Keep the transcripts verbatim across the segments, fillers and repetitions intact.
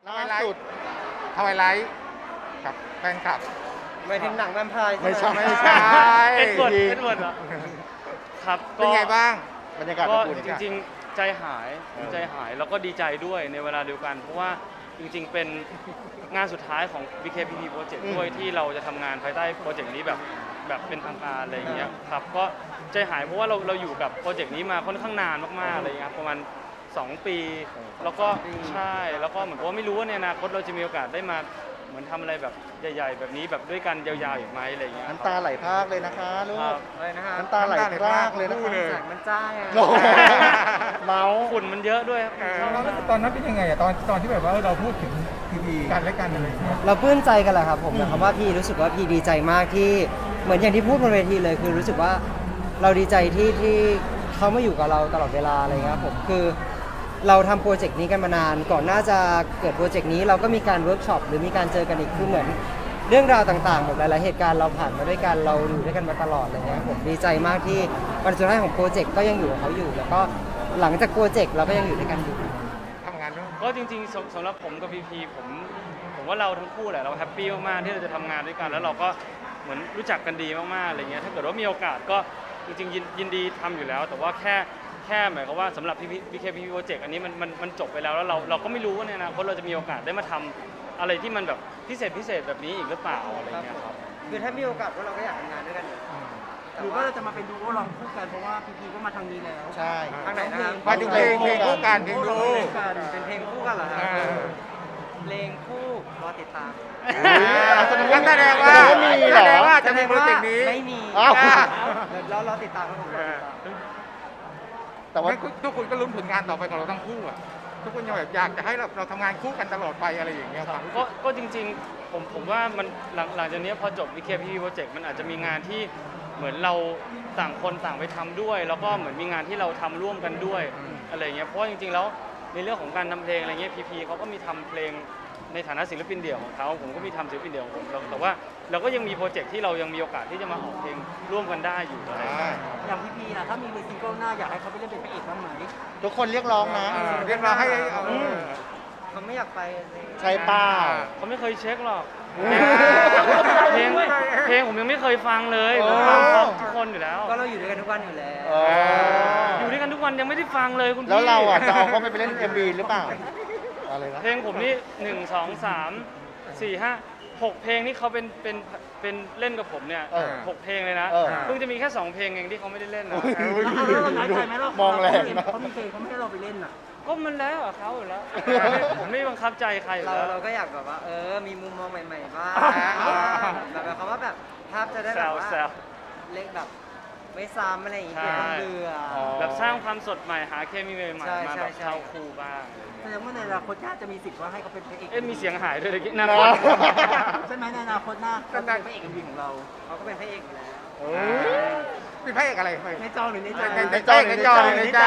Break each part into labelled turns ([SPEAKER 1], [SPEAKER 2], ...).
[SPEAKER 1] ล่าสุดทวายไลท์กับแฟนคลับ
[SPEAKER 2] ไม่ถึงหนังแวมไพร์
[SPEAKER 1] ไม่
[SPEAKER 2] ใช่
[SPEAKER 1] ใช่
[SPEAKER 2] ไหม
[SPEAKER 1] ไม่ใช่
[SPEAKER 3] เอ็ดเวิร์ดเอ็ดเวิร์ดเหรอครับ
[SPEAKER 1] เป็นไงบ้างบรรยากาศ
[SPEAKER 3] ก็
[SPEAKER 1] อบอุ่น
[SPEAKER 3] จริงๆใจหาย
[SPEAKER 1] เออ
[SPEAKER 3] ใจหายแล้วก็ดีใจด้วยในเวลาเดียวกัน เพราะว่าจริงๆเป็นงานสุดท้ายของ บี เค พี พี Project ด้วยที่เราจะทำงานภายใต้โปรเจกต์นี้แบบแบบเป็นทางการอะไรอย่างเงี้ยครับก็ใจหายเพราะว่าเราเราอยู่กับโปรเจกต์นี้มาค่อนข้างนานมากๆอะไรอย่างเงี้ยครับประมาณสองปี แล้วก็ใช่แล้วก็เหมือนกับว่าไม่รู้ว่าในอนาคตเราจะมีโอกาสได้มาเหมือนทำอะไรแบบใหญ่ ๆ แบบนี้แบบด้วยกันยาวๆอีกไหมอะไรอย่างเงี้ย
[SPEAKER 1] น้ำตาไหลพรากเลยนะคะลู
[SPEAKER 3] ครั
[SPEAKER 1] ก
[SPEAKER 3] บ
[SPEAKER 2] อะไรนะฮะ
[SPEAKER 1] น้ำตาไหลพรากเลยนะคู่คะเลย
[SPEAKER 2] แสงมันจ้าไง
[SPEAKER 1] โอ้โหเมาส์
[SPEAKER 3] ฝุ่นมันเยอะด้วยครับ
[SPEAKER 4] ตอนนั้นเป็นยังไงอะตอนตอนที่แบบว่าเราพูดถึงทีวีกันและกันอะไรอย่างเงี้ย
[SPEAKER 2] เราปลื้มใจกันแหละครับผมนะครับว่าพี่รู้สึกว่าพี่ดีใจมากที่เหมือนอย่างที่พูดบนเวทีเลยคือรู้สึกว่าเราดีใจที่ที่เขามาอยู่กับเราตลอดเวลาอะไรเงี้ยครับผมคือเราทำโปรเจกต์นี้กันมานานก่อนหน้าจะเกิดโปรเจกต์นี้เราก็มีการเวิร์กช็อปหรือมีการเจอกันอีกคือเหมือนเรื่องราวต่างๆแบบหลายๆเหตุการณ์เราผ่านมาด้วยกันเราอยู่ด้วยกันมาตลอดอะไรเงี้ยครับผมดีใจมากที่วันสุดท้ายของโปรเจกต์ก็ยังอยู่กับเขาอยู่ แล้วก็หลังจากโปรเจกต์เราก็ยังอยู่ด้วยกันอยู่
[SPEAKER 1] ทำงานด้วย
[SPEAKER 3] ก็จริงๆสำสำหรับผมกับพีพีผมผมว่าเราทั้งคู่แหละเราแฮปปี้มากๆที่เราจะทำงานด้วยกัน แล้วเราก็เหมือนรู้จักกันดีมากๆอะไรเงี้ยถ้าเกิดว่ามีโอกาสก็จริงๆยินยินดีทำอยู่แล้ว แต่ว่าแค่แค่หมายความว่าสำหรับพีพีบีเคพีโปรเจกต์อันนี้มันมันมันจบไปแล้วแล้วเราเราก็ไม่รู้ว่าในอนาคตเราจะมีโอกาสได้มาทำอะไรที่มันแบบพิเศษพิเศษแบบนี้อีกหรือเปล่าอะไรเงี้ยครับ
[SPEAKER 2] คือถ้ามีโอกาสพวกเราก็อยากทำงานด้วยกันอยู่
[SPEAKER 5] หรือว่าเราจะมาเป็นดูโอลองคู่กันเพราะว่าพีพีก็มาทางนี้แล้ว
[SPEAKER 1] ใช่
[SPEAKER 2] ทางไหนนะครับ
[SPEAKER 1] มาถึงเพลงเพลงคู่กันเพลง
[SPEAKER 5] ดู
[SPEAKER 1] คู่
[SPEAKER 5] คู่กัน
[SPEAKER 2] เป็นเพลงคู่กันเหรอครั
[SPEAKER 1] เอบ อ
[SPEAKER 2] เพลงคู่รอติดตาม
[SPEAKER 1] งั้นแสดงว่า
[SPEAKER 4] มีเหรอ
[SPEAKER 1] แสดงว่าจะมีโปรเจกต์นี้
[SPEAKER 2] ไม่มี
[SPEAKER 1] อ้าว
[SPEAKER 2] เดี๋ยวเรารอติดตามครับผมรอติดตาม
[SPEAKER 1] แต่ว่าทุกคนก็ลุ้นผลงานต่อไปของเราทั้งคู่อะทุกคนยังแบบอยากจะให้เราเราทำงานคู่กันตลอดไปอะไรอย่างเงี้ยครับ
[SPEAKER 3] ก็ก็จริงๆผมผมว่ามันหลังหลังจากนี้พอจบ บี เค พี พี Project มันอาจจะมีงานที่เหมือนเราต่างคนต่างไปทำด้วย แล้วก็เหมือนมีงานที่เราทำร่วมกันด้วย
[SPEAKER 1] อืม
[SPEAKER 3] อะไรเงี้ยเพราะว่าจริงๆแล้วในเรื่องของการทำเพลงอะไรเงี้ยพีพีเขาก็มีทำเพลงในฐานะศิลปินเดี่ยวของเขาผมก็มีทำศิลปินเดี่ยวของผมแต่ว่าเราก็ยังมีโปรเจกต์ที่เรายังมีโอกาสที่จะมาออกเพลงร่วมกันได้อยู่อะไรเงี้ย
[SPEAKER 5] อย่างพีพีนะถ้ามีซิงเกิลหน้าอยากให้เขาไปเล่นเป็นพระเอกบ้างไหม
[SPEAKER 1] ทุกคนเรียกร้องนะ
[SPEAKER 3] เออ
[SPEAKER 1] เรียกร้องให้เอา
[SPEAKER 3] อืม
[SPEAKER 2] เขาไม่อยากไปเลย
[SPEAKER 1] ใช่เปล่า
[SPEAKER 3] เขาไม่เคยเช็คหรอก
[SPEAKER 1] อืม
[SPEAKER 3] เพลงเพลงผมยังไม่เคยฟังเลย
[SPEAKER 1] โอ้
[SPEAKER 3] ผมฟังพร้อมทุกคนอยู่แล้ว
[SPEAKER 2] ก็เราอยู่ด้วยกันทุกวันอยู่แล้ว
[SPEAKER 1] เออ
[SPEAKER 3] อยู่ด้วยกันทุกวันยังไม่ได้ฟังเลยคุณพี่
[SPEAKER 1] แล้วเราอ่ะจะเอาเขาไปไปเล่น เอ็ม วี หรือเปล่าอะไรนะ
[SPEAKER 3] เพลงผมนี่หนึ่งสองสามสี่ห้าหกเพลงที่เขาเป็นเป็นเป็นเล่นกับผมเนี่ย
[SPEAKER 1] เออ
[SPEAKER 3] หกเพลงเลยนะ
[SPEAKER 1] เออ
[SPEAKER 3] เพิ่งจะมีแค่สองเพลงเองที่เขาไม่ได้เล่นนะ
[SPEAKER 1] อุ๊ย
[SPEAKER 5] แล้วเราน้อยใจไหมเรา
[SPEAKER 1] มองแรงนะ
[SPEAKER 5] เขามีเพลงเขาไม่ให้เราไปเล่นอ่ะ
[SPEAKER 3] ก็มันแล้วอะเขาอยู่แล้วผมไม่บังคับใจใครอยู่
[SPEAKER 2] เรา
[SPEAKER 3] แล้ว
[SPEAKER 2] เราก็อยากแบบว่า เออ มีมุมมองใหม่ๆบ้าง
[SPEAKER 1] อ่า
[SPEAKER 2] แบบแบบคำว่าแบบภาพจะได้
[SPEAKER 3] แซ
[SPEAKER 2] แบบ
[SPEAKER 3] ว
[SPEAKER 2] ว่า
[SPEAKER 3] แซว
[SPEAKER 2] เล็กแบบไม่ซ้ำอะไรอย่างงี้
[SPEAKER 3] ใช่
[SPEAKER 2] เพื่อความเบื่ออ
[SPEAKER 1] อ
[SPEAKER 3] แบบสร้างความสดใหม่หาเคมีใหม่
[SPEAKER 2] ใช่
[SPEAKER 3] ๆมา
[SPEAKER 2] ใช่
[SPEAKER 3] แบบ
[SPEAKER 2] ใช่
[SPEAKER 3] เข้าคู่บ้าง
[SPEAKER 5] แสดงว่าในอนาคตน่าจะมีสิทธิ์ว่าให้เขาเป็นพระเอก
[SPEAKER 3] เอ๊ะมีเสียงหายด้วยเลยนะ
[SPEAKER 1] เนอะ
[SPEAKER 5] ใช่ไหมในอนาคตหน้าเขาจะเป็นพระเอกเอ็มวีของเรา
[SPEAKER 2] เขาก็เป็นพระเอกอยู่แล้ว
[SPEAKER 1] เออเป็นพระเอกอะไรไป
[SPEAKER 5] ในจอหรือในใจ
[SPEAKER 1] ในในใจในใจในใจ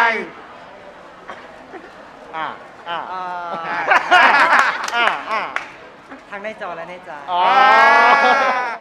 [SPEAKER 1] อ่าอ่า
[SPEAKER 2] อ่า
[SPEAKER 1] อ่าอ่า
[SPEAKER 2] ทั้งในจอและในใจ
[SPEAKER 1] อ๋อ